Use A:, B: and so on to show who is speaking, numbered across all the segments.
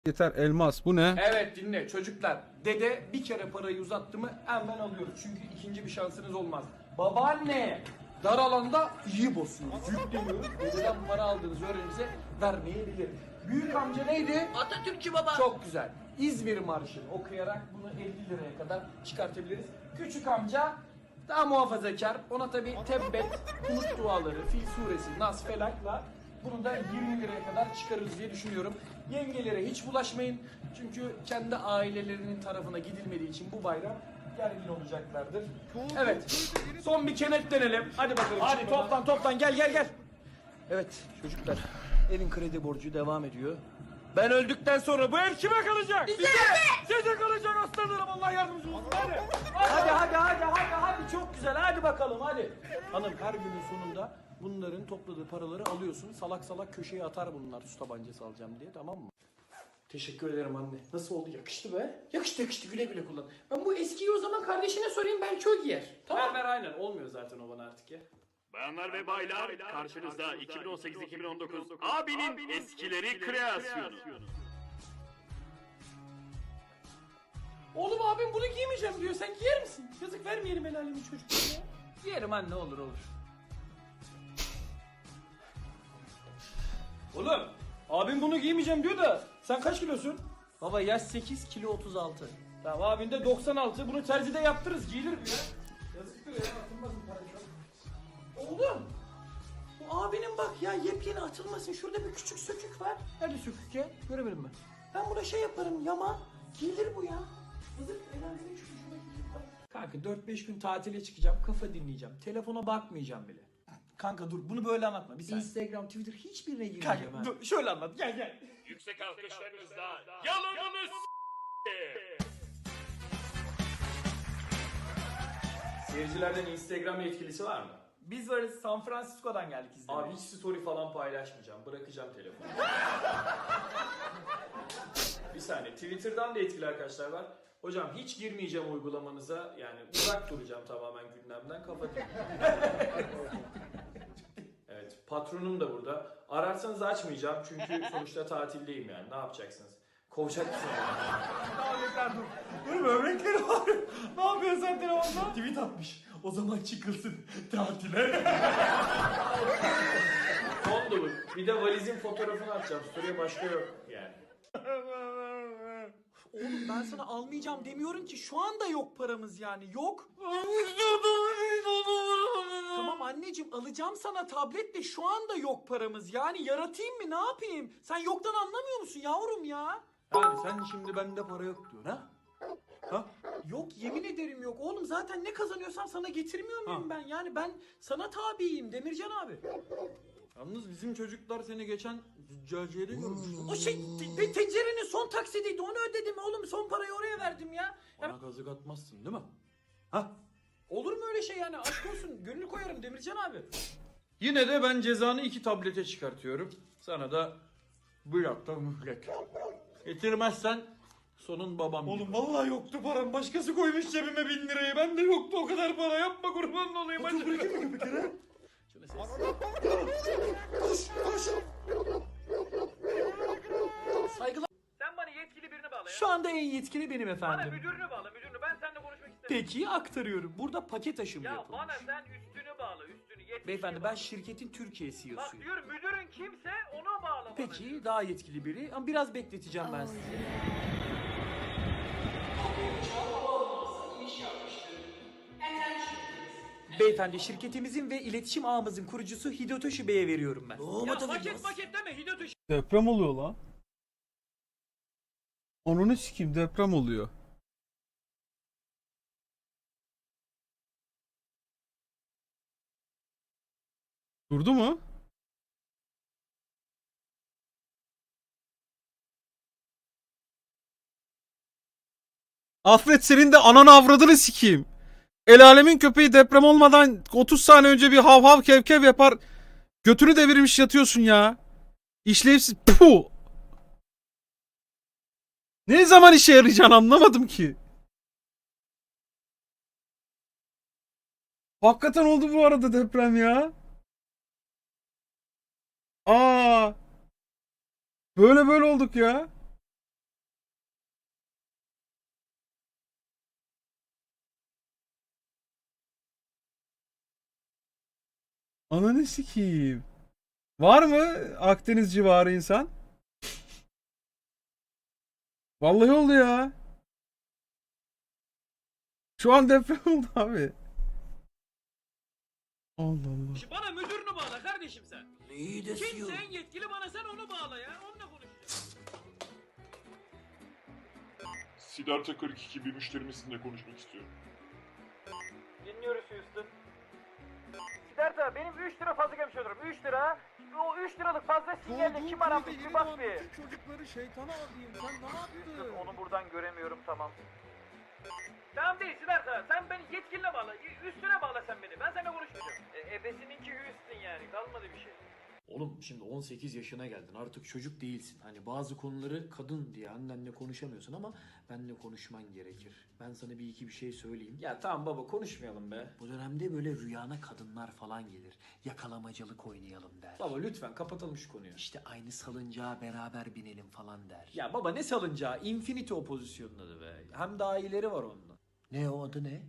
A: Yeter elmas bu ne?
B: Evet dinle çocuklar. Dede bir kere parayı uzattı mı hemen alıyoruz. Çünkü ikinci bir şansınız olmaz. Babaanne dar alanda iyi basıyoruz. Yükleniyoruz. Dededen para aldığınız öğrenimize vermeyebilir. Büyük amca neydi?
C: Atatürkçü baba.
B: Çok güzel. İzmir Marşı'nı okuyarak bunu 50 liraya kadar çıkartabiliriz. Küçük amca daha muhafazakar. Ona tabi Tebbet, Kunut duaları, Fil suresi, Nas, Felak'la bunu da 20 liraya kadar çıkarırız diye düşünüyorum. Yengelere hiç bulaşmayın. Çünkü kendi ailelerinin tarafına gidilmediği için bu bayram gergin olacaklardır. Evet. Son bir kenetlenelim. Hadi bakalım. Hadi toplan gel. Evet çocuklar. Evin kredi borcu devam ediyor. Ben öldükten sonra bu ev kime kalacak? Size kalacak aslanlarım, Allah yardımcınız olsun. Hadi çok güzel, hadi bakalım hadi. Hanım her günün sonunda bunların topladığı paraları alıyorsun. Salak salak köşeye atar bunlar su tabancası alacağım diye, tamam mı? Teşekkür ederim anne. Nasıl oldu? Yakıştı be. Yakıştı, güle güle kullan. Ben bu eskiyi o zaman kardeşine sorayım, belki o giyer. Tamam. Ver aynen, olmuyor zaten o bana artık ya.
D: Bayanlar ve baylar, karşınızda 2018-2019 abinin eskileri kreasyonu.
B: Oğlum abim bunu giymeyeceğim diyor. Sen giyer misin? Yazık, vermeyelim el alemin çocuklarına ya. Giyerim anne, olur. Oğlum abim bunu giymeyeceğim diyor da sen kaç kilosun? Baba yaş 8, kilo 36. Tamam, abin de 96. Bunu terzide yaptırırız, giyilir bu ya. Yazıktır ya, atılmaz bu para. Oğlum bu abinin bak ya, yepyeni atılmasın. Şurada bir küçük sökük var. Nerede sökük ya? Göremedim ben. Ben buna şey yaparım, yama. Giyilir bu ya. Yazık, eğlencenin şu şuna giyilir. Kanka 4-5 gün tatile çıkacağım. Kafa dinleyeceğim. Telefona bakmayacağım bile. Kanka dur, bunu böyle anlatma. Bir saniye. Instagram, Twitter hiçbirine girmeyeceğim. Kanka dur, şöyle anlat. Gel.
D: Yüksek alkışlarınızla yalanınız
B: Seyircilerden Instagram yetkilisi var mı? Biz varız. San Francisco'dan geldik izlemeye. Abi hiç story falan paylaşmayacağım. Bırakacağım telefonu. Bir saniye. Twitter'dan da etkili arkadaşlar var. Hocam hiç girmeyeceğim uygulamanıza. Yani uzak duracağım tamamen gündemden. Kapatayım. Evet. Patronum da burada. Ararsanız açmayacağım. Çünkü sonuçta tatildeyim yani. Ne yapacaksınız? Kovacak mısınız? Böbrekler dur. Dur, böbrekleri var. Ne yapıyorsun sen telefonda? Tweet atmış. O zaman çıkılsın tatile. Son dolu. Bir de valizin fotoğrafını atacağım. Story'e başka yok yani. Oğlum ben sana almayacağım demiyorum ki. Şu anda yok paramız yani. Yok. Tamam anneciğim, alacağım sana tablet de şu anda yok paramız. Yani yaratayım mı, ne yapayım? Sen yoktan anlamıyor musun yavrum ya? Yani sen şimdi bende para yok diyorsun ha? Ha? Yok, yemin ederim yok. Oğlum zaten ne kazanıyorsam sana getirmiyor muyum ben? Yani ben sana tabiyim Demircan abi. Yalnız bizim çocuklar seni geçen züccaciyede görmüş. O şey tencerenin son taksidiydi, onu ödedim oğlum, son parayı oraya verdim ya. Bana kazık atmazsın değil mi? Ha? Olur mu öyle şey yani, aşk olsun, gönül koyarım Demircan abi. Yine de ben cezanı 2 tablete çıkartıyorum. Sana da bir hafta mühlet. Getirmezsen sonun babam. Oğlum vallahi yoktu param, başkası koymuş cebime 1000 lirayı. Ben de yoktu o kadar para, yapma kurban olayım. Hadi bırakayım mı köpekleri? Koş. Saygılar.
C: Sen bana yetkili birini bağla ya.
B: Şu anda en yetkili benim
C: Bana
B: efendim.
C: müdürünü bağla, müdürünü. Ben seninle konuşmak istemiyorum.
B: Peki aktarıyorum. Burada paket aşımı
C: Ya
B: yapılmış.
C: bana sen üstünü bağla, üstünü. Yetkili
B: Beyefendi
C: bağla.
B: ben şirketin Türkiye
C: Bak
B: CEO'suyum.
C: diyorum, müdürün kimse ona bağla bana.
B: Peki daha yetkili biri ama biraz bekleteceğim ben sizi. Beyefendi şirketimizin ve iletişim ağımızın kurucusu Hidotoshi Bey'e veriyorum ben.
C: Ya paket deme, Hidotoshi.
A: Deprem oluyor lan. Onunu sikeyim, deprem oluyor. Durdu mu? Afret, senin de ananı avradını sikeyim. El alemin köpeği deprem olmadan 30 saniye önce bir hav hav kev kev yapar. Götünü devirmiş yatıyorsun ya. İşlevsiz. Puh. Ne zaman işe yarayacağını anlamadım ki. Hakikaten oldu bu arada deprem ya. Aa. Böyle olduk ya. Ananı sikeyim. Var mı Akdeniz civarı insan? Vallahi oldu ya. Şu an deprem oldu abi. Allah Allah.
C: Bana müdürünü bağla kardeşim sen.
B: İyi de
C: Kimse en yetkili bana sen onu bağla ya. Onunla konuş.
E: Siddhartha 42 bir müşterimizle konuşmak istiyorum.
C: Dinliyoruz Houston. Siddhartha benim 3 lira fazla gelmiş olurum. 3 lira. O 3 liralık fazla sinyalle kim aramış bir bak bir.
A: Çocukları şeytana adayım. Sen ne yaptın?
C: Onu buradan göremiyorum tamam. Tamam değil Siddhartha. Sen beni yetkiline bağla. Üstüne bağla sen beni. Ben seninle konuşmayacağım. Ebesininki Houston yani. Kalmadı bir şey.
B: Oğlum şimdi 18 yaşına geldin artık çocuk değilsin. Hani bazı konuları kadın diye annenle konuşamıyorsun ama benle konuşman gerekir. Ben sana bir iki bir şey söyleyeyim.
F: Ya tamam baba konuşmayalım be.
B: Bu dönemde böyle rüyana kadınlar falan gelir. Yakalamacılık oynayalım der.
F: Baba lütfen kapatalım şu konuyu.
B: İşte aynı salıncağa beraber binelim falan der.
F: Ya baba ne salıncağı? Infinity o pozisyonun adı be. Hem daha iyileri var onunla.
B: Ne o adı ne?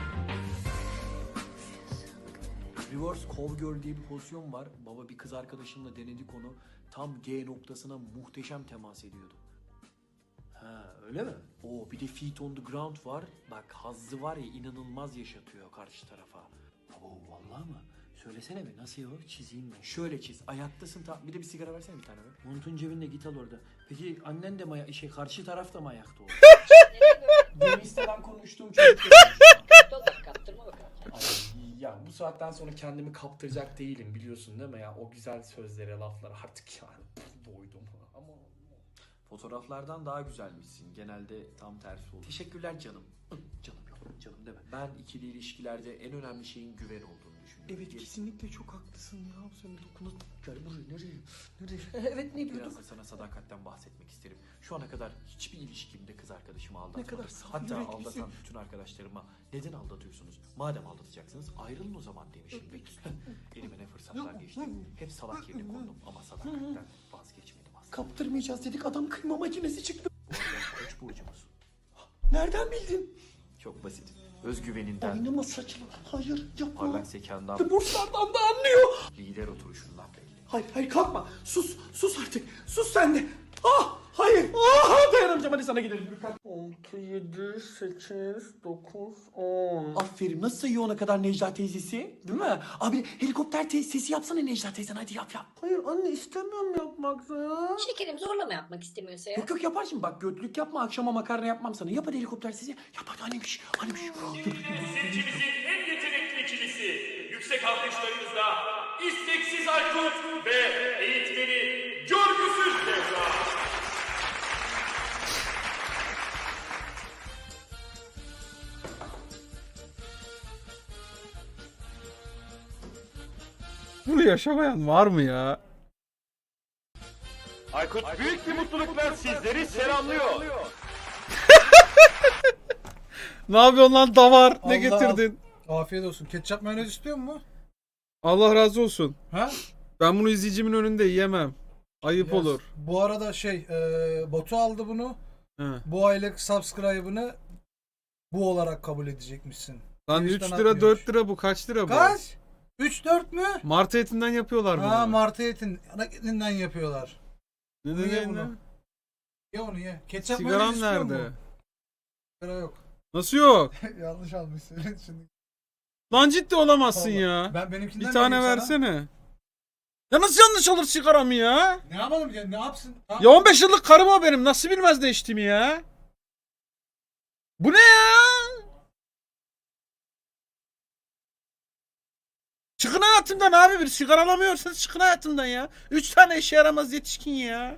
B: Reverse Cowgirl diye bir pozisyon var. Baba bir kız arkadaşımla denedik onu. Tam G noktasına muhteşem temas ediyordu. Ha öyle mi? Oo bir de Feet on the Ground var. Bak hazzı var ya inanılmaz yaşatıyor karşı tarafa. Oo vallahi mı? Söylesene bir nasıl o? Çizeyim ben. Şöyle çiz. Ayaktasın bir de bir sigara versene bir tane be. Montun cebinde git al orada. Peki annen de mi karşı taraf da mı ayakta oldu? Deniz'den konuştuğum çocuk.
G: Kaptırma bakalım.
B: Ay, ya bu saatten sonra kendimi kaptıracak değilim biliyorsun değil mi ya? O güzel sözlere, laflara artık yani doydum ama...
F: Fotoğraflardan daha güzelmişsin. Genelde tam tersi olur.
B: Teşekkürler canım. Canım yok, canım deme. Ben ikili ilişkilerde en önemli şeyin güven olduğunu düşünüyorum. Evet kesinlikle çok haklısın ya. Sen dokuna... Gel buraya nereye? Nereye? Evet ne
F: Biraz da sana sadakatten bahsetmek isterim. Şu ana kadar hiçbir ilişkimde kız arkadaşımı aldatmadım.
B: kadar saf
F: Hatta
B: yüreklisin.
F: aldatan bütün arkadaşlarıma neden aldatıyorsunuz? Madem aldatacaksınız ayrılın o zaman demişimdir. Elime ne fırsatlar geçti. Hep salak yerine kondum ama sadakatten vazgeçmedim aslında.
B: Kaptırmayacağız dedik adam kıyma makinesi çıktı.
F: Bu arada Koç burcumuz.
B: Nereden bildin?
F: Çok basit. Özgüveninden,
B: Oynama saçma. Hayır yapma.
F: parlak zekandan,
B: Burslardan da anlıyor.
F: lider oturuşundan belli.
B: Hayır kalkma. Sus artık. Sus sen de. Ah hayır. Ah dayanamayacağım hadi sana gidelim. 6, 7, 8, 9, 10. Aferin nasıl sayıyor ona kadar Necla teyzesi? Değil mi? Abi helikopter sesi yapsana Necla teyzen hadi yap. Hayır anne istemiyorum yapmak ya.
G: Şekerim zorlama yapmak istemiyorsa ya.
B: Yok yapar şimdi bak götlük yapma akşama makarna yapmam sana. Yap hadi helikopter sesi. Yap hadi annemiş.
D: Seçimizin en yetenekli ikilisi. Yüksek alkışlarınızla isteksiz Aykut ve eğitmeni Görgüsüz Nevra.
A: Bunu yaşamayan var mı ya?
D: Aykut büyük bir mutlulukla sizleri selamlıyor.
A: Ne yapıyorsun lan davar? Ne
H: Allah.
A: getirdin?
H: Afiyet olsun. Ketçap mayonez istiyor mu?
A: Allah razı olsun.
H: Ha?
A: Ben bunu izleyicimin önünde yiyemem. Ayıp
H: Yes.
A: olur.
H: Bu arada Batu aldı bunu.
A: He.
H: Bu aylık subscribe'ını bu olarak kabul edecekmişsin.
A: Lan 3
H: Twitch'ten
A: lira
H: atmıyormuş.
A: 4 lira bu kaç lira bu?
H: Kaç? 3-4 mü?
A: Martı etinden yapıyorlar bunu.
H: Ha martı etin. Ana etinden yapıyorlar.
A: Ne
H: Ye
A: dedin
H: bunu.
A: lan?
H: Ye onu ye. Ketçap
A: Sigaram
H: mayonez istiyor
A: nerede?
H: mu? Sigara yok.
A: Nasıl yok?
H: Yanlış almışsın şimdi.
A: Lan ciddi olamazsın
H: Vallahi.
A: ya.
H: Ben benimkinden
A: Bir tane
H: vereyim sana.
A: versene. Ya nasıl yanlış olur sigaramı ya?
H: Ne yapalım ya? Ne yapsın?
A: Ya 15 yıllık karım o benim. Nasıl bilmez de içtiğimi ya? Bu ne ya? Çıkın hayatımdan abi, bir sigara alamıyorsanız çıkın hayatımdan ya. 3 tane işe yaramaz yetişkin ya.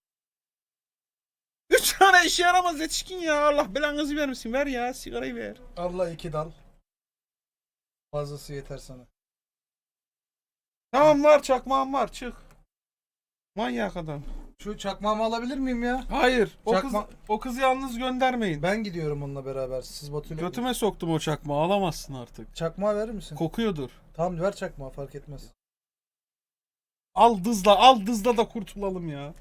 A: 3 tane işe yaramaz yetişkin ya. Allah belanızı vermesin. Ver ya, sigarayı ver.
H: Allah 2 dal. Fazlası yeter sana.
A: Tamam var, çakmağım var, çık. Manyak adam.
H: Şu çakmağımı alabilir miyim ya?
A: Hayır,
H: Çakma-
A: o kızı yalnız göndermeyin.
H: Ben gidiyorum onunla beraber. Siz Batu'yla...
A: Götüme soktum o çakmağı, alamazsın artık.
H: Çakmağı verir misin?
A: Kokuyordur.
H: Tamam ver çakmağı fark etmez.
A: Al dızla da kurtulalım ya.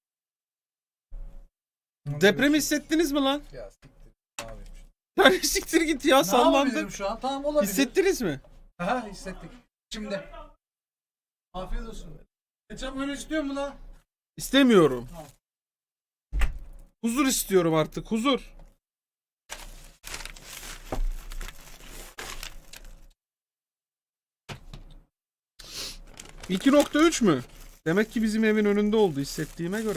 A: Depremi hissettiniz mi lan?
H: Ya siktir. Ne yapayım şimdi?
A: Yani siktir git ya,
H: Ne
A: sallandım.
H: yapabilirim şu an? Tamam olabilir.
A: Hissettiniz mi?
H: Aha hissettik. Şimdi Afiyet olsun. Ketçap böyle istiyor mu lan?
A: İstemiyorum.
H: Tamam.
A: Huzur istiyorum artık. Huzur. ...2.3 mü? Demek ki bizim evin önünde oldu hissettiğime göre.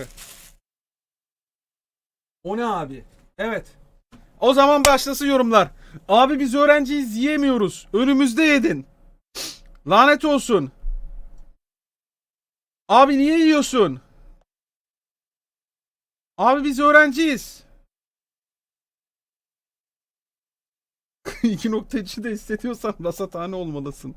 A: O ne abi? Evet. O zaman başlasın yorumlar. Abi biz öğrenciyiz yiyemiyoruz. Önümüzde yedin. Lanet olsun. Abi niye yiyorsun? Abi biz öğrenciyiz. 2.3'ü de hissediyorsan rasathane olmalısın.